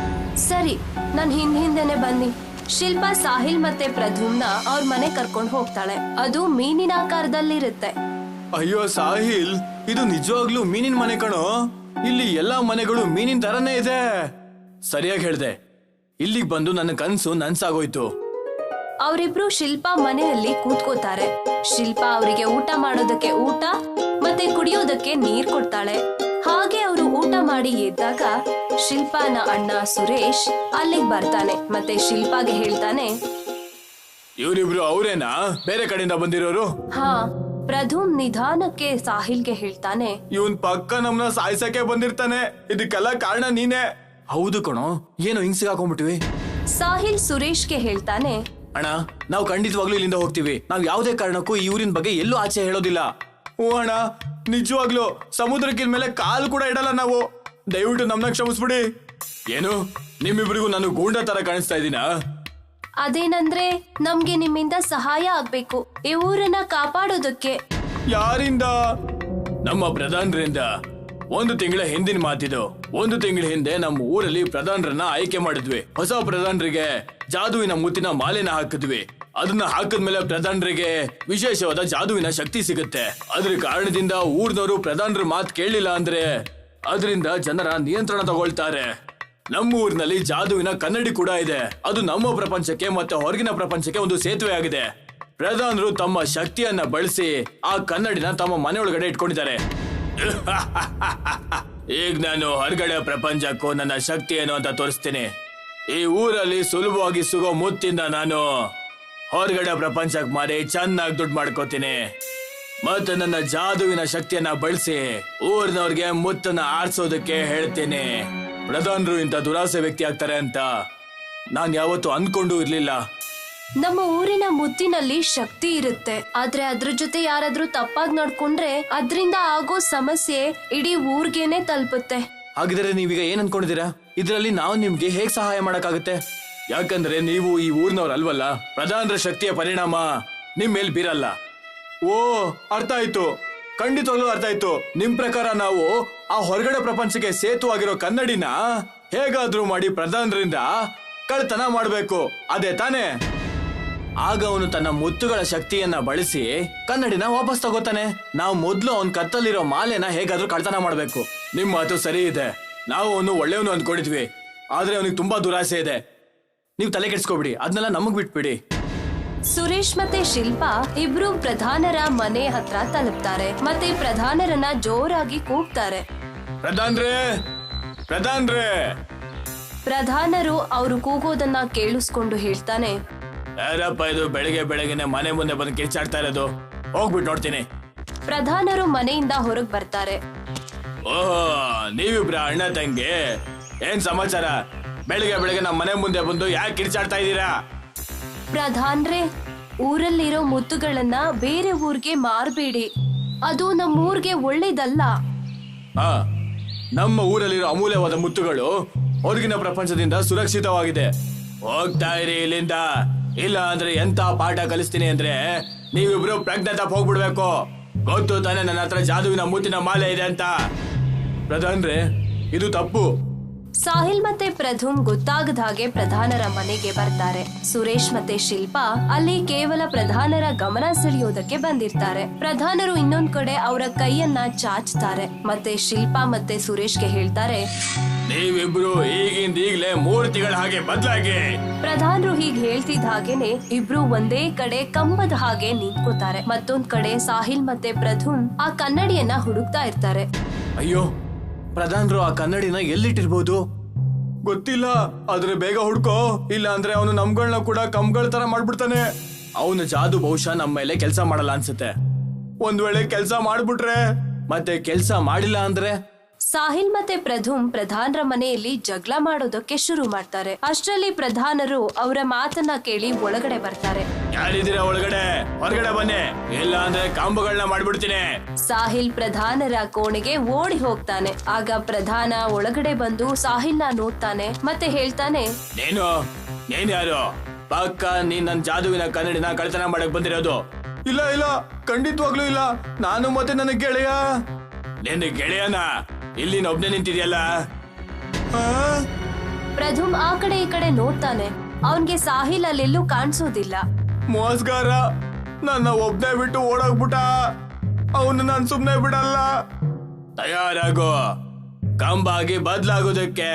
Speaker 3: ಸರಿ, ನನ್ ಹಿಂದ್ ಹಿಂದೆನೆ ಬನ್ನಿ. ಶಿಲ್ಪಾ ಸಾಹಿಲ್ ಮತ್ತೆ ಪ್ರಧುಮ್ನ ಅವ್ರ ಮನೆ ಕರ್ಕೊಂಡು ಹೋಗ್ತಾಳೆ. ಅದು ಮೀನಿನ ಆಕಾರದಲ್ಲಿರುತ್ತೆ.
Speaker 4: ಅಯ್ಯೋ ಸಾಹಿಲ್, ಇದು ನಿಜವಾಗ್ಲೂ ಮೀನಿನ ಮನೆ ಕಣೋ. ಇಲ್ಲಿ ಎಲ್ಲಾ ಮನೆಗಳು ಮೀನಿನ ತರನೇ ಇದೆ. ಸರಿಯಾಗಿ ಹೇಳ್ದೆ, ಇಲ್ಲಿಗೆ ಬಂದು ನನ್ನ ಕನ್ಸು ನನ್ಸಾಗೋಯ್ತು.
Speaker 3: ಅವರಿಬ್ರು ಶಿಲ್ಪಾ ಮನೆಯಲ್ಲಿ ಕೂತ್ಕೋತಾರೆ. ಶಿಲ್ಪಾ ಅವರಿಗೆ ಊಟ ಮಾಡೋದಕ್ಕೆ ಊಟ ಮತ್ತೆ ಕುಡಿಯೋದಕ್ಕೆ ನೀರ್ ಕೊಡ್ತಾಳೆ. ಹಾಗೆ ಅವರು ಊಟ ಮಾಡಿ ಎದ್ದಾಗ ಶಿಲ್ಪಾನ ಅಣ್ಣ ಸುರೇಶ್ ಅಲ್ಲಿಗೆ ಬರ್ತಾನೆ ಮತ್ತೆ ಶಿಲ್ಪಾಗೆ ಹೇಳ್ತಾನೆ,
Speaker 4: ಇವರಿಬ್ರು ಅವರೇನಾ ಬೇರೆ ಕಡೆಯಿಂದ ಬಂದಿರೋರು?
Speaker 3: ಹಾ. ಪ್ರಧುಮ್ ನಿಧಾನಕ್ಕೆ ಸಾಹಿಲ್ಗೆ ಹೇಳ್ತಾನೆ,
Speaker 4: ಇವನ್ ಪಕ್ಕ ನಮ್ನ ಸಾಯ್ಸಕ್ಕೆ ಬಂದಿರ್ತಾನೆ, ಇದಕ್ಕೆಲ್ಲ ಕಾರಣ ನೀನೇ. ಹೌದು ಕಣೋ, ಏನೋ ಹಿಂಗ್ ಸಿಗಾಕೊಂಡ್ಬಿಟ್ವಿ.
Speaker 3: ಸಾಹಿಲ್ ಸುರೇಶ್ಗೆ ಹೇಳ್ತಾನೆ,
Speaker 4: ಅಣ್ಣ, ನಾವು ಖಂಡಿತವಾಗ್ಲೂ ಇಲ್ಲಿಂದ ಹೋಗ್ತೀವಿ. ನಾವ್ ಯಾವುದೇ ಕಾರಣಕ್ಕೂ ಈ ಊರಿನ ಬಗ್ಗೆ ಎಲ್ಲೂ ಆಚೆ ಹೇಳೋದಿಲ್ಲ. ಓ ಅಣ್ಣ, ನಿಜವಾಗ್ಲೂ ಸಮುದ್ರಕ್ಕಿನ ಮೇಲೆ ಕಾಲು ಕೂಡ ಇಡಲ್ಲ ನಾವು. ದಯವಿಟ್ಟು ನಮ್ನ ಕ್ಷಮಿಸ್ಬಿಡಿ. ಏನು, ನಿಮ್ಮಿಬ್ರಿಗೂ ನಾನು ಗೂಂಡ ತರ ಕಾಣಿಸ್ತಾ ಇದ್ದೀನಾ?
Speaker 3: ಅದೇನಂದ್ರೆ ನಮ್ಗೆ ನಿಮ್ಮಿಂದ ಸಹಾಯ ಆಗ್ಬೇಕು, ಈ ಊರನ್ನ ಕಾಪಾಡೋದಕ್ಕೆ.
Speaker 4: ಯಾರಿಂದ? ನಮ್ಮ ಪ್ರಧಾನರಿಂದ. ಒಂದು ತಿಂಗಳ ಹಿಂದಿನ ಮಾತಿದು. ಒಂದು ತಿಂಗಳ ಹಿಂದೆ ನಮ್ಮ ಊರಲ್ಲಿ ಪ್ರಧಾನರನ್ನ ಆಯ್ಕೆ ಮಾಡಿದ್ವಿ. ಹೊಸ ಪ್ರಧಾನರಿಗೆ ಜಾದುವಿನ ಮುತ್ತಿನ ಮಾಲೆನ ಹಾಕಿದ್ವಿ. ಅದನ್ನ ಹಾಕಿದ್ಮೇಲೆ ಪ್ರಧಾನರಿಗೆ ವಿಶೇಷವಾದ ಜಾದುವಿನ ಶಕ್ತಿ ಸಿಗುತ್ತೆ. ಅದ್ರ ಕಾರಣದಿಂದ ಊರ್ನವರು ಪ್ರಧಾನರ ಮಾತು ಕೇಳಲಿಲ್ಲ ಅಂದ್ರೆ ಅದರಿಂದ ಜನರ ನಿಯಂತ್ರಣ ತಗೊಳ್ತಾರೆ. ನಮ್ಮ ಊರಿನಲ್ಲಿ ಜಾದುವಿನ ಕನ್ನಡಿ ಕೂಡ ಇದೆ. ಅದು ನಮ್ಮ ಪ್ರಪಂಚಕ್ಕೆ ಮತ್ತೆ ಹೊರಗಿನ ಪ್ರಪಂಚಕ್ಕೆ ಒಂದು ಸೇತುವೆ ಆಗಿದೆ. ಪ್ರಧಾನರು ತಮ್ಮ ಶಕ್ತಿಯನ್ನ ಬಳಸಿ ಆ ಕನ್ನಡಿನ ತಮ್ಮ ಮನೆಯೊಳಗಡೆ ಇಟ್ಕೊಂಡಿದ್ದಾರೆ. ಈಗ ನಾನು ಹೊರಗಡೆ ಪ್ರಪಂಚಕ್ಕೂ ನನ್ನ ಶಕ್ತಿ ಏನು ಅಂತ ತೋರಿಸ್ತೀನಿ. ಈ ಊರಲ್ಲಿ ಸುಲಭವಾಗಿ ಸಿಗೋ ಮುತ್ತಿಂದ ನಾನು ಹೊರಗಡೆ ಪ್ರಪಂಚಕ್ಕೆ ಮಾರಿ ಚೆನ್ನಾಗಿ ದುಡ್ಡು ಮಾಡ್ಕೋತೀನಿ. ಮತ್ತೆ ನನ್ನ ಜಾದುವಿನ ಶಕ್ತಿಯನ್ನ ಬಳಸಿ ಊರಿನವ್ರಿಗೆ ಮುತ್ತನ್ನ ಆರಿಸೋದಕ್ಕೆ ಹೇಳ್ತೀನಿ. ಪ್ರಧಾನರು ಇಂಥ ದುರಾಸೆ ವ್ಯಕ್ತಿ ಆಗ್ತಾರೆ ಅಂತ ನಾನ್ ಯಾವತ್ತೂ ಅನ್ಕೊಂಡು ಇರ್ಲಿಲ್ಲ.
Speaker 3: ನಮ್ಮ ಊರಿನ ಮುತ್ತಿನಲ್ಲಿ ಶಕ್ತಿ ಇರುತ್ತೆ, ಆದ್ರೆ ಅದ್ರ ಜೊತೆ ಯಾರಾದ್ರೂ ತಪ್ಪಾಗಿ ನಡ್ಕೊಂಡ್ರೆ ಅದ್ರಿಂದ ಆಗೋ ಸಮಸ್ಯೆ ಇಡೀ ಊರ್ಗೇನೆ ತಲುಪುತ್ತೆ.
Speaker 4: ಹಾಗಿದ್ರೆ ನೀವೀಗ ಏನ್ ಅನ್ಕೊಂಡಿದ್ದೀರಾ? ಇದ್ರಲ್ಲಿ ನಾವು ನಿಮ್ಗೆ ಹೇಗ್ ಸಹಾಯ ಮಾಡಕ್ಕಾಗುತ್ತೆ? ಯಾಕಂದ್ರೆ ನೀವು ಈ ಊರ್ನವ್ರ ಅಲ್ವಲ್ಲ. ಪ್ರಧಾನರ ಶಕ್ತಿಯ ಪರಿಣಾಮ ನಿಮ್ ಮೇಲ್ ಬೀರಲ್ಲ. ಓ, ಅರ್ಥ ಆಯ್ತು, ಖಂಡಿತವಾಗ್ಲೂ ಅರ್ಥ ಆಯ್ತು. ನಿಮ್ ಪ್ರಕಾರ ನಾವು ಆ ಹೊರಗಡೆ ಪ್ರಪಂಚಕ್ಕೆ ಸೇತು ಆಗಿರೋ ಕನ್ನಡಿನ ಹೇಗಾದ್ರೂ ಮಾಡಿ ಪ್ರಧಾನರಿಂದ ಕಳ್ತನ ಮಾಡ್ಬೇಕು, ಅದೇ ತಾನೇ? ಆಗ ಅವನು ತನ್ನ ಮುತ್ತುಗಳ ಶಕ್ತಿಯನ್ನ ಬಳಸಿ ಕನ್ನಡಿನ ವಾಪಸ್ ತಗೋತಾನೆ. ನಾವು ಮೊದ್ಲು ಅವನ್ ಕತ್ತಲ್ಲಿರೋ ಮಾಲೆನ ಹೇಗಾದ್ರೂ ಕಳ್ತನ ಮಾಡ್ಬೇಕು. ನಿಮ್ ಮಾತು ಸರಿ ಇದೆ, ನಾವು ಅವನು ಒಳ್ಳೆಯವನು ಅಂದ್ಕೊಂಡಿದ್ವಿ, ಆದ್ರೆ ಅವನಿಗೆ ತುಂಬಾ ದುರಾಸೆ ಇದೆ. ನೀವು ತಲೆ ಕೆಡ್ಸ್ಕೊಬಿಡಿ, ಅದನ್ನೆಲ್ಲ ನಮಗ್ ಬಿಟ್ಬಿಡಿ.
Speaker 3: ಸುರೇಶ್ ಮತ್ತೆ ಶಿಲ್ಪಾ ಇಬ್ರು ಪ್ರಧಾನರ ಮನೆ ಹತ್ರ ತಲುಪ್ತಾರೆ ಮತ್ತೆ ಪ್ರಧಾನರನ್ನ ಜೋರಾಗಿ ಕೂಗ್ತಾರೆ,
Speaker 4: ಪ್ರಧಾನ್ರೇ, ಪ್ರಧಾನ್ರೇ.
Speaker 3: ಪ್ರಧಾನರು ಅವರು ಕೂಗೋದನ್ನ ಕೇಳಿಸ್ಕೊಂಡು ಹೇಳ್ತಾನೆ,
Speaker 4: ಯಾರಪ್ಪ ಇದು ಬೆಳಿಗ್ಗೆ ಬೆಳಗ್ಗೆನೆ ಮನೆ ಮುಂದೆ ಬಂದು ಕಿರ್ಚಾಡ್ತಾ ಇರೋದು? ಹೋಗ್ಬಿಟ್ಟು ನೋಡ್ತೀನಿ.
Speaker 3: ಪ್ರಧಾನರು ಮನೆಯಿಂದ ಹೊರಗ್ ಬರ್ತಾರೆ.
Speaker 4: ಓಹೋ, ನೀವಿಬ್ರ ಅಣ್ಣ ತಂಗಿ, ಏನ್ ಸಮಾಚಾರ? ಬೆಳಿಗ್ಗೆ ಬೆಳಗ್ಗೆ ನಮ್ಮ ಮನೆ ಮುಂದೆ ಬಂದು ಯಾಕೆ ಕಿರ್ಚಾಡ್ತಾ ಇದ್ದೀರಾ?
Speaker 3: ಪ್ರಧಾನ್ರೆ, ಊರಲ್ಲಿರೋ ಮುತ್ತುಗಳನ್ನ ಬೇರೆ ಊರ್ಗೆ ಮಾರ್ಬೇಡಿ, ಅದು ನಮ್ಮೂರ್ಗೆ ಒಳ್ಳೇದಲ್ಲ.
Speaker 4: ಹಾ, ನಮ್ಮ ಊರಲ್ಲಿರೋ ಅಮೂಲ್ಯವಾದ ಮುತ್ತುಗಳು ಹೊರಗಿನ ಪ್ರಪಂಚದಿಂದ ಸುರಕ್ಷಿತವಾಗಿದೆ. ಹೋಗ್ತಾ ಇರಿ ಇಲ್ಲಿಂದ, ಇಲ್ಲ ಅಂದ್ರೆ ಎಂತ ಪಾಠ ಕಲಿಸ್ತೀನಿ ಅಂದ್ರೆ ನೀವಿಬ್ರು ಪ್ರಜ್ಞೆ ತಪ್ಪ ಹೋಗ್ಬಿಡ್ಬೇಕು. ಗೊತ್ತು ತಾನೆ ನನ್ನ ಹತ್ರ ಜಾದುವಿನ ಮುತ್ತಿನ ಮಾಲೆ ಇದೆ ಅಂತ. ಪ್ರಧಾನ್ರೆ, ಇದು ತಪ್ಪು.
Speaker 3: ಸಾಹಿಲ್ ಮತ್ತೆ ಪ್ರಧುಮ್ ಗೊತ್ತಾಗದ ಹಾಗೆ ಪ್ರಧಾನರ ಮನೆಗೆ ಬರ್ತಾರೆ. ಸುರೇಶ್ ಮತ್ತೆ ಶಿಲ್ಪಾ ಅಲ್ಲಿ ಕೇವಲ ಪ್ರಧಾನರ ಗಮನ ಸೆಳೆಯೋದಕ್ಕೆ ಬಂದಿರ್ತಾರೆ. ಪ್ರಧಾನರು ಇನ್ನೊಂದ್ ಕಡೆ ಅವರ ಕೈಯನ್ನ ಚಾಚ್ತಾರೆ. ಮತ್ತೆ ಶಿಲ್ಪಾ ಮತ್ತೆ ಸುರೇಶ್ಗೆ ಹೇಳ್ತಾರೆ,
Speaker 4: ನೀವಿಬ್ರು ಈಗಿಂದ ಈಗ್ಲೇ ಮೂರ್ತಿಗಳ ಹಾಗೆ ಬದಲಾಗಿ.
Speaker 3: ಪ್ರಧಾನರು ಹೀಗ್ ಹೇಳ್ತಿದ್ದ ಹಾಗೇನೆ ಇಬ್ರು ಒಂದೇ ಕಡೆ ಕಂಬದ ಹಾಗೆ ನಿಂತ್ಕೋತಾರೆ. ಮತ್ತೊಂದ್ ಕಡೆ ಸಾಹಿಲ್ ಮತ್ತೆ ಪ್ರಧುಮ್ ಆ ಕನ್ನಡಿಯನ್ನ ಹುಡುಕ್ತಾ ಇರ್ತಾರೆ.
Speaker 4: ಅಯ್ಯೋ, ಪ್ರಧಾನರು ಆ ಕನ್ನಡಿನ ಎಲ್ಲಿಟ್ಟಿರ್ಬೋದು ಗೊತ್ತಿಲ್ಲ. ಆದ್ರೆ ಬೇಗ ಹುಡ್ಕೋ, ಇಲ್ಲ ಅಂದ್ರೆ ಅವನು ನಮ್ಗಳನ್ನ ಕೂಡ ಕಂಬಗಳ ತರ ಮಾಡ್ಬಿಡ್ತಾನೆ. ಅವನ ಜಾದು ಬಹುಶಃ ನಮ್ಮ ಮೇಲೆ ಕೆಲಸ ಮಾಡಲ್ಲ ಅನ್ಸುತ್ತೆ. ಒಂದ್ ವೇಳೆ ಕೆಲಸ ಮಾಡ್ಬಿಟ್ರೆ, ಮತ್ತೆ ಕೆಲಸ ಮಾಡಿಲ್ಲ ಅಂದ್ರೆ?
Speaker 3: ಸಾಹಿಲ್ ಮತ್ತೆ ಪ್ರಧುಮ್ ಪ್ರಧಾನರ ಮನೆಯಲ್ಲಿ ಜಗಳ ಮಾಡೋದಕ್ಕೆ ಶುರು ಮಾಡ್ತಾರೆ. ಅಷ್ಟರಲ್ಲಿ ಪ್ರಧಾನರು ಅವರ ಮಾತನ್ನ ಕೇಳಿ ಒಳಗಡೆ ಬರ್ತಾರೆ.
Speaker 4: ಯಾರಿದ್ದೀರಾ ಒಳಗಡೆ? ಹೊರಗಡೆ ಬನ್ನಿ, ಇಲ್ಲ ಅಂದ್ರೆ ಕಂಬಗಳನ್ನ ಮಾಡ್ಬಿಡ್ತೀನಿ.
Speaker 3: ಸಾಹಿಲ್ ಪ್ರಧಾನರ ಕೋಣೆಗೆ ಓಡಿ ಹೋಗ್ತಾನೆ. ಆಗ ಪ್ರಧಾನ ಒಳಗಡೆ ಬಂದು ಸಾಹಿಲ್ನ ನೋಡ್ತಾನೆ ಮತ್ತೆ ಹೇಳ್ತಾನೆ,
Speaker 4: ನೀನು ನೀನ್ ಯಾರು? ಪಕ್ಕ ನೀನ್ ನನ್ ಜಾದುವಿನ ಕನ್ನಡಿನ ಕಳ್ತನ ಮಾಡಕ್ ಬಂದಿರೋದು? ಇಲ್ಲ ಇಲ್ಲ, ಖಂಡಿತವಾಗ್ಲೂ ಇಲ್ಲ. ನಾನು ಮತ್ತೆ ನನ್ನ ಗೆಳೆಯ. ನಿನ್ನ ಗೆಳೆಯನ ಇಲ್ಲಿ ಒಬ್ನೇ ನಿಂತಿದ್ಯಲ್ಲ?
Speaker 3: ಪ್ರಧುಮ್ ಆ ಕಡೆ ಈ ಕಡೆ ನೋಡ್ತಾನೆ. ಅವನ್ಗೆ ಸಾಹಿಲ್ ಅಲ್ಲೆಲ್ಲೂ ಕಾಣಿಸೋದಿಲ್ಲ.
Speaker 4: ಮೋಸ್ಗಾರ, ನನ್ನ ಒಬ್ನೇ ಬಿಟ್ಟು ಓಡೋಗ್ಬಿಟ್ಟ. ಅವನು ನಾನ್ ಸುಮ್ನೆ ಬಿಡಲ್ಲ. ತಯಾರಾಗೋ, ಕಂಬಾಗಿ ಬದ್ಲಾಗೋದಕ್ಕೆ.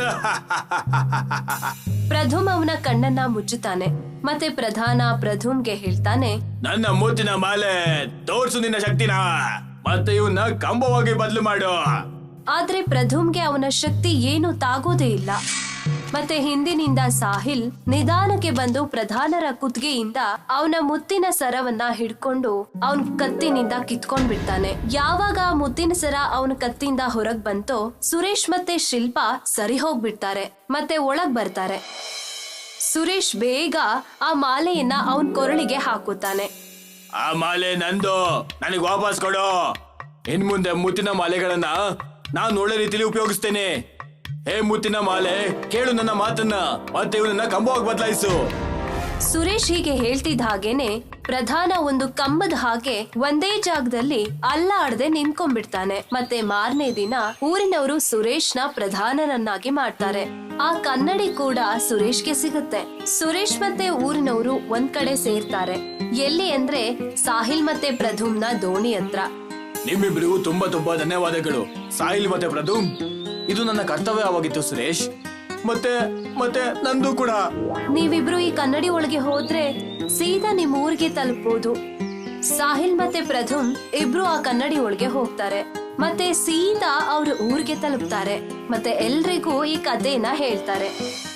Speaker 3: ಪ್ರಧುಮ್ ಅವನ ಕಣ್ಣನ್ನ ಮುಚ್ಚುತ್ತಾನೆ. ಮತ್ತೆ ಪ್ರಧಾನ ಪ್ರಧುಮ್ಗೆ ಹೇಳ್ತಾನೆ,
Speaker 4: ನನ್ನ ಮೂತಿನ ಮಾಲೆ ತೋರ್ಸು ನಿನ್ನ ಶಕ್ತಿನ, ಮತ್ತೆ ಇವನ್ನ ಕಂಬವಾಗಿ ಬದಲು ಮಾಡು.
Speaker 3: ಆದ್ರೆ ಪ್ರಧುಮ್ಗೆ ಅವನ ಶಕ್ತಿ ಏನು ತಾಗೋದೇ ಇಲ್ಲ. ಮತ್ತೆ ಹಿಂದಿನಿಂದ ಸಾಹಿಲ್ ನಿಧಾನಕ್ಕೆ ಬಂದು ಪ್ರಧಾನರ ಕುತ್ತಿಗೆಯಿಂದ ಅವನ ಮುತ್ತಿನ ಸರವನ್ನ ಹಿಡ್ಕೊಂಡು ಅವನ್ ಕತ್ತಿನಿಂದ ಕಿತ್ಕೊಂಡ್ ಬಿಡ್ತಾನೆ. ಯಾವಾಗ ಆ ಮುತ್ತಿನ ಸರ ಅವನ ಕತ್ತಿಂದ ಹೊರಗ್ ಬಂತೋ ಸುರೇಶ್ ಮತ್ತೆ ಶಿಲ್ಪಾ ಸರಿ ಹೋಗ್ಬಿಡ್ತಾರೆ ಮತ್ತೆ ಒಳಗ್ ಬರ್ತಾರೆ. ಸುರೇಶ್ ಬೇಗ ಆ ಮಾಲೆಯನ್ನ ಅವನ್ ಕೊರಳಿಗೆ ಹಾಕುತ್ತಾನೆ.
Speaker 4: ಆ ಮಾಲೆ ನಂದು, ನನಗ್ ವಾಪಸ್ ಕೊಡು. ಇನ್ ಮುಂದೆ ಮುತ್ತಿನ ಮಾಲೆಗಳನ್ನ ನಾನ್ ಒಳ್ಳೆ ರೀತಿಲಿ ಉಪಯೋಗಿಸ್ತೇನೆ. ಹೇ ಮುತ್ತಿನ ಮಾಲೆ, ಕೇಳು ನನ್ನ ಮಾತನ್ನ, ಮತ್ತೆ ಇವನನ್ನ ಕಂಬವಾಗಿ ಬದಲಾಯಿಸು.
Speaker 3: ಸುರೇಶ್ ಹೀಗೆ ಹೇಳ್ತಿದ್ದ ಹಾಗೇನೆ ಪ್ರಧಾನ ಒಂದು ಕಂಬದ ಹಾಗೆ ಒಂದೇ ಜಾಗದಲ್ಲಿ ಅಲ್ಲಾಡದೆ ನಿಂತ್ಕೊಂಡ್ಬಿಡ್ತಾನೆ. ಮತ್ತೆ ಮಾರನೇ ದಿನ ಊರಿನವರು ಸುರೇಶ್ನ ಪ್ರಧಾನನನ್ನಾಗಿ ಮಾಡ್ತಾರೆ. ಆ ಕನ್ನಡಿ ಕೂಡ ಸುರೇಶ್ಗೆ ಸಿಗುತ್ತೆ. ಸುರೇಶ್ ಮತ್ತೆ ಊರಿನವರು ಒಂದ್ ಕಡೆ ಸೇರ್ತಾರೆ. ಎಲ್ಲಿ ಅಂದ್ರೆ ಸಾಹಿಲ್ ಮತ್ತೆ ಪ್ರಧುಮ್ನ ದೋಣಿ ಹತ್ರ.
Speaker 4: ನಿಮ್ಮಿಬ್ರಿಗೂ ತುಂಬಾ ತುಂಬಾ ಧನ್ಯವಾದಗಳು ಸಾಹಿಲ್ ಮತ್ತೆ ಪ್ರಧುಮ್. ಇದು ನನ್ನ ಕರ್ತವ್ಯವಾಗಿತ್ತು ಸುರೇಶ್, ಮತ್ತೆ ಮತ್ತೆ ನಂದು ಕೂಡ.
Speaker 3: ನೀವಿಬ್ರು ಈ ಕನ್ನಡಿ ಒಳಗೆ ಹೋದ್ರೆ ಸೀದಾ ನಿಮ್ ಊರಿಗೆ ತಲುಪಬಹುದು. ಸಾಹಿಲ್ ಮತ್ತೆ ಪ್ರಧುಮ್ ಇಬ್ರು ಆ ಕನ್ನಡಿ ಒಳಗೆ ಹೋಗ್ತಾರೆ ಮತ್ತೆ ಸೀದಾ ಅವ್ರ ಊರಿಗೆ ತಲುಪ್ತಾರೆ. ಮತ್ತೆ ಎಲ್ರಿಗೂ ಈ ಕಥೆನ ಹೇಳ್ತಾರೆ.